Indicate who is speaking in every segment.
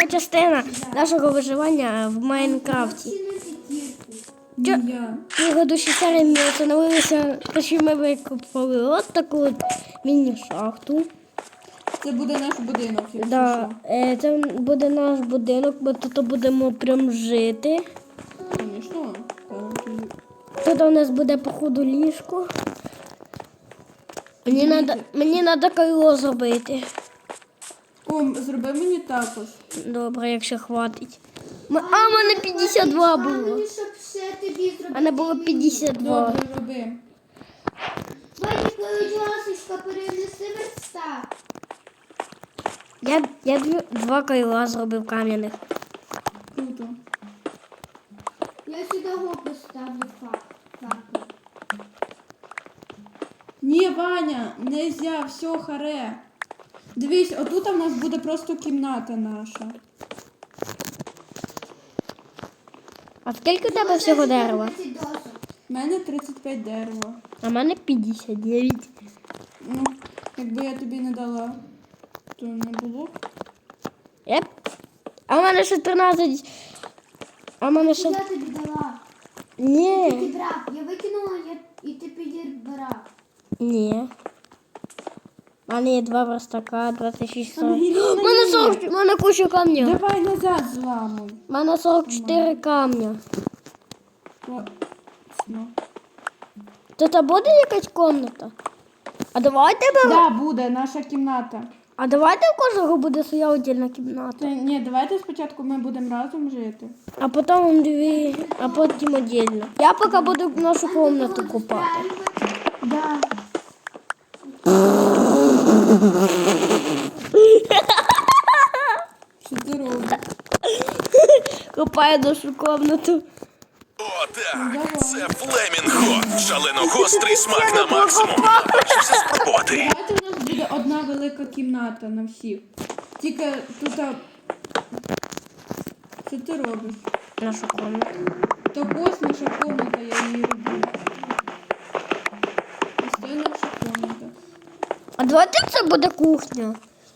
Speaker 1: частина нашого виживання в Майнкрафті. Предыдущій серії ми встановилися, що ми викопали от таку от міні-шахту.
Speaker 2: Це буде наш будинок, якщо
Speaker 1: Да,
Speaker 2: що.
Speaker 1: це буде наш будинок, ми тут будемо прям жити.
Speaker 2: Звісно.
Speaker 1: Тут у нас буде, походу, ліжко. Мені треба крило зробити.
Speaker 2: О, зроби мені також.
Speaker 1: Добре, якщо хватить. В мене 52 було. У мене було 52.
Speaker 2: Добре, роби.
Speaker 3: Ваня, будь ласка, перенеси верстак.
Speaker 1: Я два крила зробив кам'яних.
Speaker 2: Круто.
Speaker 3: Я сюди го поставлю факел.
Speaker 2: Ні, Ваня, нельзя, все, харе. Дивись, отут у нас буде просто кімната наша.
Speaker 1: А скільки у тебе всього дерева?
Speaker 2: У мене 35 дерева.
Speaker 1: А в мене 59.
Speaker 2: Ну, якби я тобі не дала, то не було б.
Speaker 1: А в мене ще 13. А в мене ще...
Speaker 3: Я тобі дала.
Speaker 1: Ні.
Speaker 3: Ти брав. Я викинула і ти підібрав.
Speaker 1: Ні. У мене є 2 верстака, 26 40.
Speaker 2: Ангеліна,
Speaker 1: У мене
Speaker 2: ні.
Speaker 1: 40, у мене куча камня.
Speaker 2: Давай назад зламуй.
Speaker 1: У мене 44 камня.
Speaker 2: Ну.
Speaker 1: Тут буде якась комната? А давайте
Speaker 2: Да, буде наша кімната.
Speaker 1: А давайте у кожного буде своя отдільна кімната.
Speaker 2: Ні, давайте спочатку ми будемо разом жити.
Speaker 1: А потім дві, а потім отдельно. Я поки буду нашу комнату купати.
Speaker 2: Да. Що ти робиш?
Speaker 1: Купаю нашу комнату.
Speaker 4: О, так, це флемінго. Шалено гострий смак на максимум. Хочеться спробувати.
Speaker 2: Давайте у нас буде одна велика кімната на всіх. Тільки тут... Що ти робиш?
Speaker 1: Нашу комнату.
Speaker 2: Так ось наша комната, я її роблю. Ось це наша комната.
Speaker 1: А давайте це буде кухня.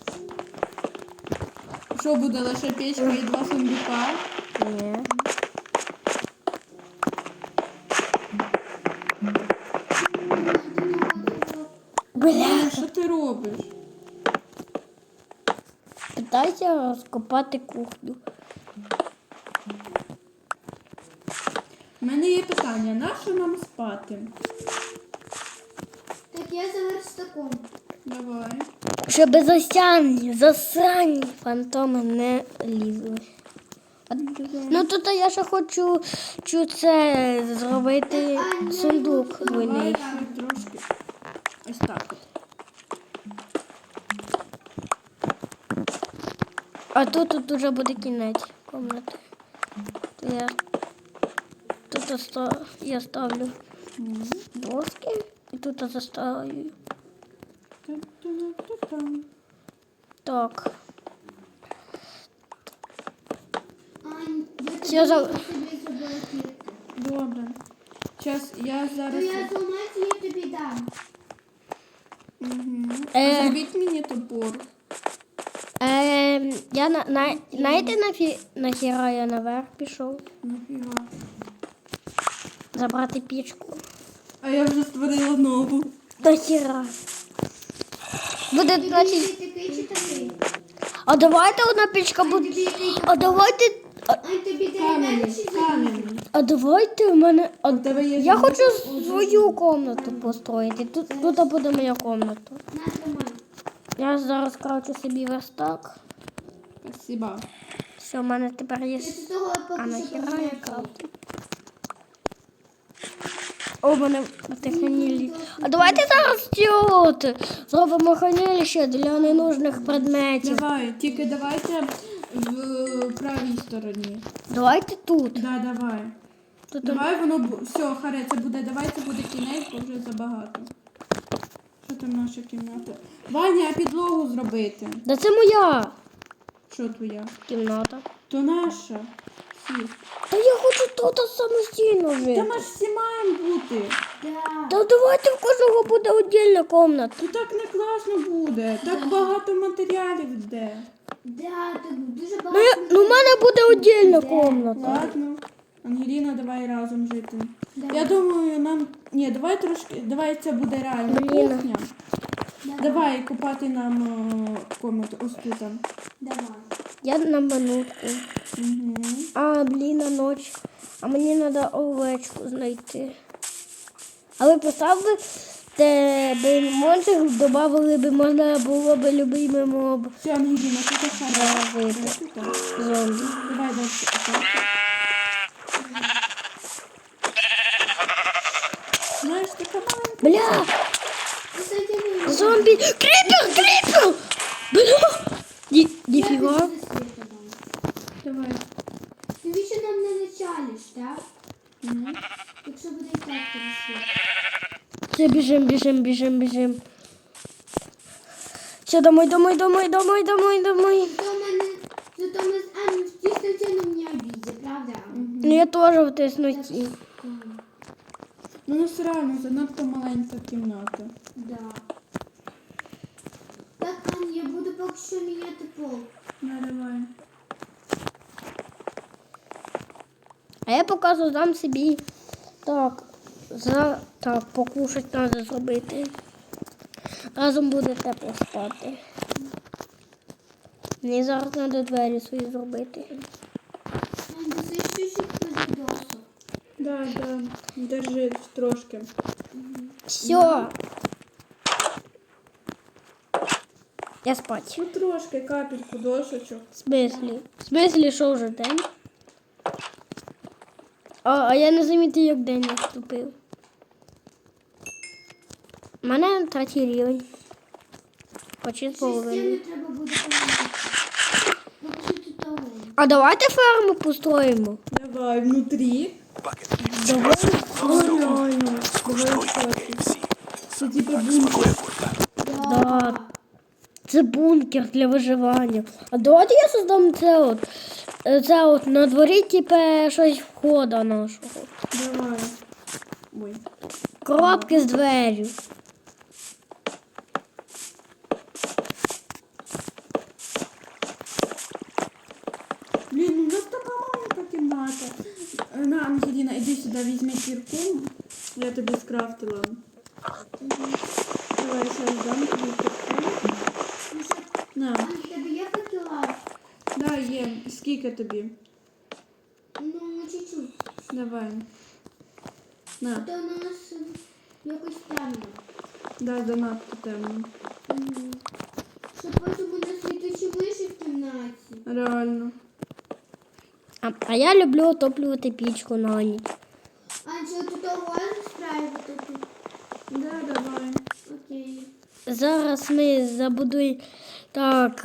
Speaker 2: Що буде, лише печка і 2 сундука?
Speaker 1: Ні. Бля.
Speaker 2: Що ти робиш?
Speaker 1: Питайся розкопати кухню.
Speaker 2: У мене є питання, на що нам спати?
Speaker 3: Так я за верстаком.
Speaker 2: Давай.
Speaker 1: Щоб засрані фантоми не лізли. Ну тут я ще хочу це зробити сундук двойний.
Speaker 2: Давай ще трошки. Ось так от.
Speaker 1: А тут вже буде кінець кімнати. Я ставлю доски і тут заставлю. Так.
Speaker 3: Ань,
Speaker 1: Я за-
Speaker 3: собі зробила кірку.
Speaker 2: Добре. Зараз я
Speaker 3: То
Speaker 2: зараз...
Speaker 3: я зламаюся, я тобі дам.
Speaker 2: Зробіть мені топор.
Speaker 1: Знаєте, нахіра я наверх пішов?
Speaker 2: Нафіга.
Speaker 1: Забрати пічку.
Speaker 2: А я вже створила нову.
Speaker 1: Нахіра. Буде,
Speaker 3: Тобі
Speaker 1: значить...
Speaker 3: такий чи такий?
Speaker 1: А давайте одна пічка буде...
Speaker 3: Тобі який?
Speaker 1: А давайте...
Speaker 3: Ань, тобі дерев'яний чи
Speaker 2: Кам'яний.
Speaker 1: А давайте в мене...
Speaker 2: тебе є
Speaker 1: Я
Speaker 2: жовтий?
Speaker 1: хочу свою комнату построїти. Тут буде моя комната.
Speaker 3: На, тримай.
Speaker 1: Я зараз крафчу собі верстак.
Speaker 2: Спасибо.
Speaker 1: Все, в мене тепер є...
Speaker 3: Я з того
Speaker 1: А
Speaker 3: поки що
Speaker 1: нахіра я
Speaker 3: поміняю.
Speaker 1: крафтю? О, в мене хранилище. А давайте зараз зробимо хранилище для ненужних предметів.
Speaker 2: Давай, тільки давайте в правій стороні.
Speaker 1: Давайте тут.
Speaker 2: Да, давай.
Speaker 1: Тут
Speaker 2: Давай воно все, харе, це буде, давай це буде кінець, бо вже забагато. Що там наша кімната? Ваня, а підлогу зробити.
Speaker 1: Да це моя
Speaker 2: Що твоя?
Speaker 1: кімната.
Speaker 2: То наша. Всі.
Speaker 1: Та я хочу тут самостійно
Speaker 2: Та
Speaker 1: жити.
Speaker 2: ми ж всі маємо бути.
Speaker 3: Да.
Speaker 1: Та давайте в кожного буде віддільна кімната.
Speaker 2: То так не класно буде. Так багато матеріалів йде.
Speaker 3: Да, тут дуже
Speaker 1: Ну,
Speaker 3: багато.
Speaker 1: ну в мене буде віддільна кімната.
Speaker 2: Ладно. Ангеліна, давай разом жити.
Speaker 3: Давай.
Speaker 2: Я думаю, нам. Ні, давай трошки. Давай це буде реально
Speaker 1: Блін.
Speaker 2: кухня. Давай купати нам комнату ось тут.
Speaker 3: Давай.
Speaker 1: Я на минутку.
Speaker 2: Угу.
Speaker 1: А, блін, на ніч. А мені треба овечку знайти. А ви поставили, де би монстрів додали би, можна було б любимий моб
Speaker 2: Все, Ангеліна, тут шара.
Speaker 1: вийти. Зомбі.
Speaker 2: Давай далі. Так. Знаєш, така маленька.
Speaker 1: Бля,
Speaker 3: Кстати, не
Speaker 1: зомбі. Кріпер! Бля. Ніфіга.
Speaker 2: Давай.
Speaker 3: Навіщо нам не началиш, так? Якщо буде і так красиво.
Speaker 1: Все, біжим. Все, домой.
Speaker 3: Зато мы, зато мы, действительно не обидят, правда?
Speaker 1: Ну я теж в тесноті.
Speaker 2: Ну, у нас реально занадто маленька кімната.
Speaker 3: Да. Так, Ань, я буду поки що міняти пол.
Speaker 2: Ну, давай.
Speaker 1: А я поки создам собі. Так, покушать треба зробити. Разом буде тепло спати. Мені зараз треба двері свої зробити.
Speaker 3: Ань, ти все чуть-чуть досок.
Speaker 2: Да. Держи трошки.
Speaker 1: Все. Я спать.
Speaker 2: Ну, трошки, капельку дошечок.
Speaker 1: В смислі, що вже день? А я не замітив, як день наступив. У мене третій рівень. Почти з половиною.
Speaker 3: Стіни треба буде помити. Поки що тут того.
Speaker 1: А давайте ферму построїмо.
Speaker 2: Давай, внутрі.
Speaker 1: Давай.
Speaker 2: Реально. Давай
Speaker 4: Всі.
Speaker 2: Це типа бункер.
Speaker 1: Да. Це бункер для виживання. А давайте я создам це от на дворі, типу, щось входа нашого.
Speaker 2: Давай. Ой.
Speaker 1: Коробки з дверю.
Speaker 2: Блін, ну у нас така маленька кімната. На, Ангеліна, іди сюди, візьми кірку. Я тобі скрафтила. Давай, зараз дам тобі кірку. На.
Speaker 3: Ань, в тебе є факела?
Speaker 2: Да, є. Скільки тобі?
Speaker 3: Ну, чуть-чуть.
Speaker 2: Давай.
Speaker 3: А
Speaker 2: На.
Speaker 3: то у нас якось темно.
Speaker 2: Да, занадто темно.
Speaker 3: Щоб потім у нас літучі миші в кімнаті.
Speaker 2: Реально.
Speaker 1: А я люблю отоплювати пічку на ніч.
Speaker 3: Ань, що тут того розстраювати тут?
Speaker 2: Да, давай.
Speaker 3: Окей.
Speaker 1: Зараз ми забудуємо. Так,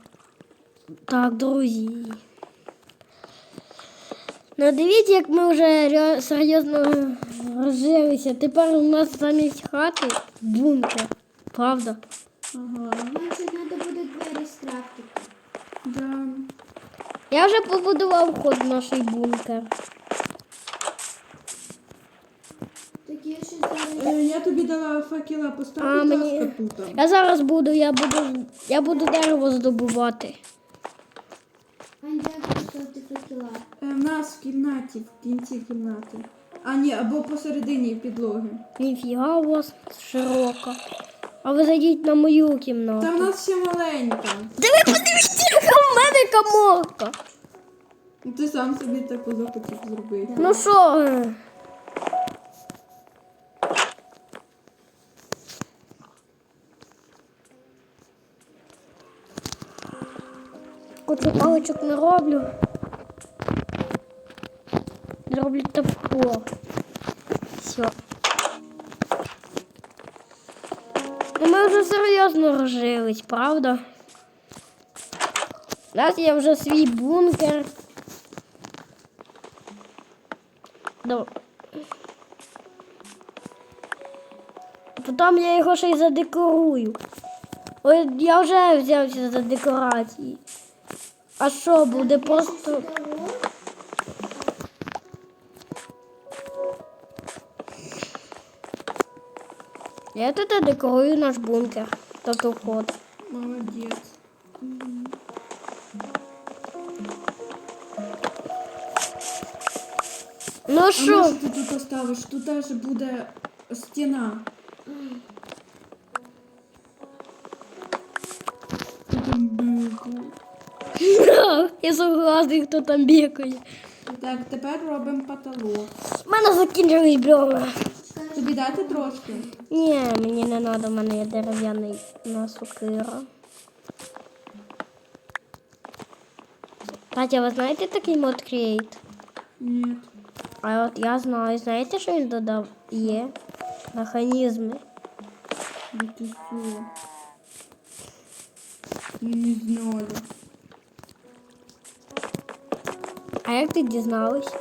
Speaker 1: друзі. Ну дивіться, як ми вже серйозно розжилися. Тепер у нас замість хати бункер. Правда?
Speaker 2: Ага.
Speaker 3: Ань, ще треба буде двері скрафтити.
Speaker 2: Да.
Speaker 1: Я вже побудував вход в наш бункер.
Speaker 3: Так я ще зараз...
Speaker 2: Я тобі дала факела,
Speaker 1: А,
Speaker 2: постав, будь
Speaker 1: мені-
Speaker 2: ласка, тут.
Speaker 1: Я зараз я буду дерево здобувати.
Speaker 3: Ань, де поставити факела?
Speaker 2: В нас в кімнаті, в кінці кімнати. А, ні, або посередині підлоги.
Speaker 1: Ніфіга у вас широка. А ви зайдіть на мою кімнату.
Speaker 2: Та в нас ще маленька.
Speaker 1: Диви, подивіться, яка в мене каморка.
Speaker 2: Ти сам собі таку захотів зробити.
Speaker 1: Ну що? Кучу паличок не роблю. Зроблю топор. Все. Ну ми вже серйозно розжились, правда? У нас є вже свій бункер. Потім я його ще й задекорую. Ой, я вже взявся за декорації. А що буде просто. Я тут декорую наш бункер. Тобто вход.
Speaker 2: Молодець.
Speaker 1: Ну
Speaker 2: А
Speaker 1: що?
Speaker 2: може ти тут оставиш? Тут теж буде стіна. Хто там бігає?
Speaker 1: Я согласний, хто там бігає.
Speaker 2: Так, тепер робимо потолок.
Speaker 1: У мене закінчились бревна.
Speaker 2: Тобі дати трошки?
Speaker 1: Ні, мені не треба, в мене є дерев'яний сокира. Катя, ви знаєте такий мод Create?
Speaker 2: Ні.
Speaker 1: А от я знаю, знаєте, що він додав? Є механізми.
Speaker 2: Ну ти що? Не знаю.
Speaker 1: А як ти дізналась?
Speaker 3: Так,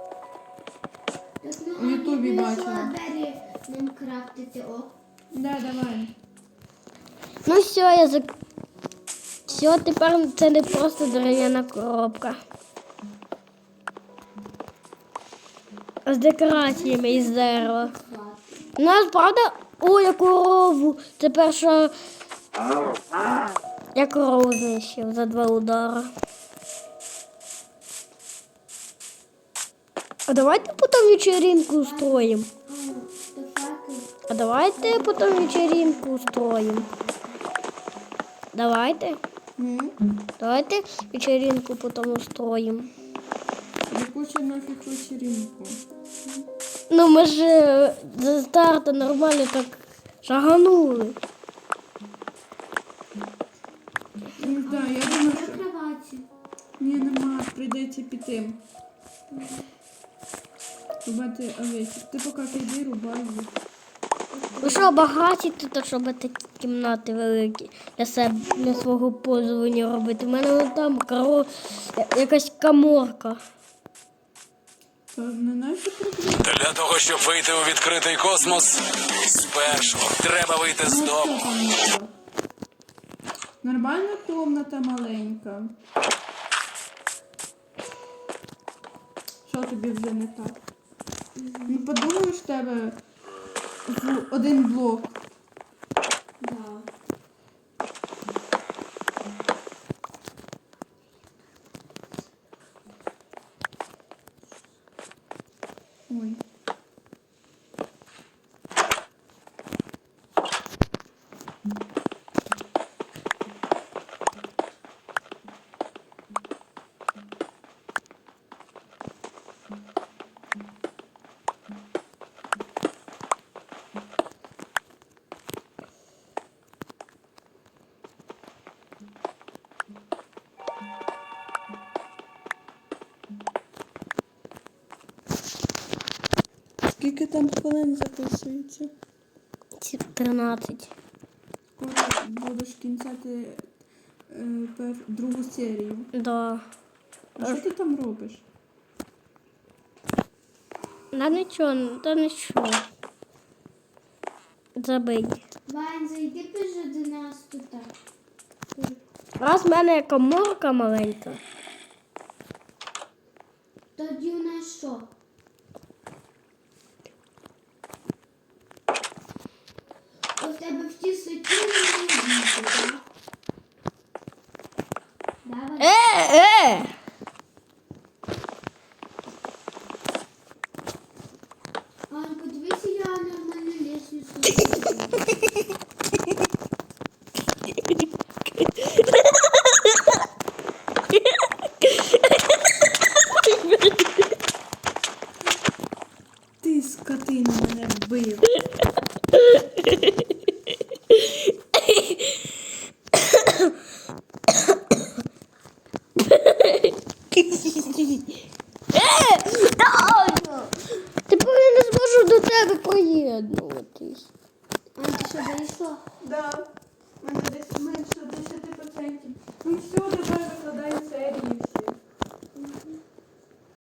Speaker 3: ну,
Speaker 2: У Ютубі
Speaker 3: Аня,
Speaker 2: бачила.
Speaker 3: вирішила двері нам крафтити, о.
Speaker 2: Да, давай.
Speaker 1: Ну все, я зак... Все, тепер це не просто дерев'яна коробка. З декораціями із дерева. У нас, правда, о, я корову. Це перша... Я корову знищив за 2 удари. А давайте потім вечеринку устроїмо.
Speaker 3: То факел.
Speaker 1: А давайте потім вечеринку устроїмо. Давайте. Давайте вечеринку потім устроїмо.
Speaker 2: Яку ще нафіг вечеринку?
Speaker 1: Ну ми ж за старту нормально так шаганули.
Speaker 2: Ну так, я думаю,
Speaker 3: На
Speaker 2: що...
Speaker 3: кроваті.
Speaker 2: Ні, нема, прийдеться піти. Рубати овечок. Ти поки піди, рубай їх.
Speaker 1: Ви що, багаті тут, щоб такі кімнати великі для себе, для свого пользування робити. У мене вон там якась каморка.
Speaker 2: Та не наші проблеми.
Speaker 4: Для того, щоб вийти у відкритий космос, спершу треба вийти з
Speaker 2: Ну,
Speaker 4: дому.
Speaker 2: що там було? Нормальна комната маленька. Що тобі вже не так? Ну подумаєш, в тебе один блок.
Speaker 3: Да.
Speaker 2: Ой. Скільки там хвилин записується?
Speaker 1: 13.
Speaker 2: Скоро будеш кінцяти другу серію.
Speaker 1: Да.
Speaker 2: А що ти там робиш?
Speaker 1: Та нічого. Забий.
Speaker 3: Вань, зайди вже до нас тут.
Speaker 1: Раз в мене коморка маленька.
Speaker 3: Тоді у нас що? У тебе в ті суті не діти, так? Давай. Ань, подивися, я нормальну лестницю.
Speaker 2: Ти, скотина, мене вбив.
Speaker 1: Тепер я не зможу до тебе приєднуватись.
Speaker 3: Ань, ти що, вийшла?
Speaker 2: Да. У мене десь менше 10%. Ну все, давай викладай серію.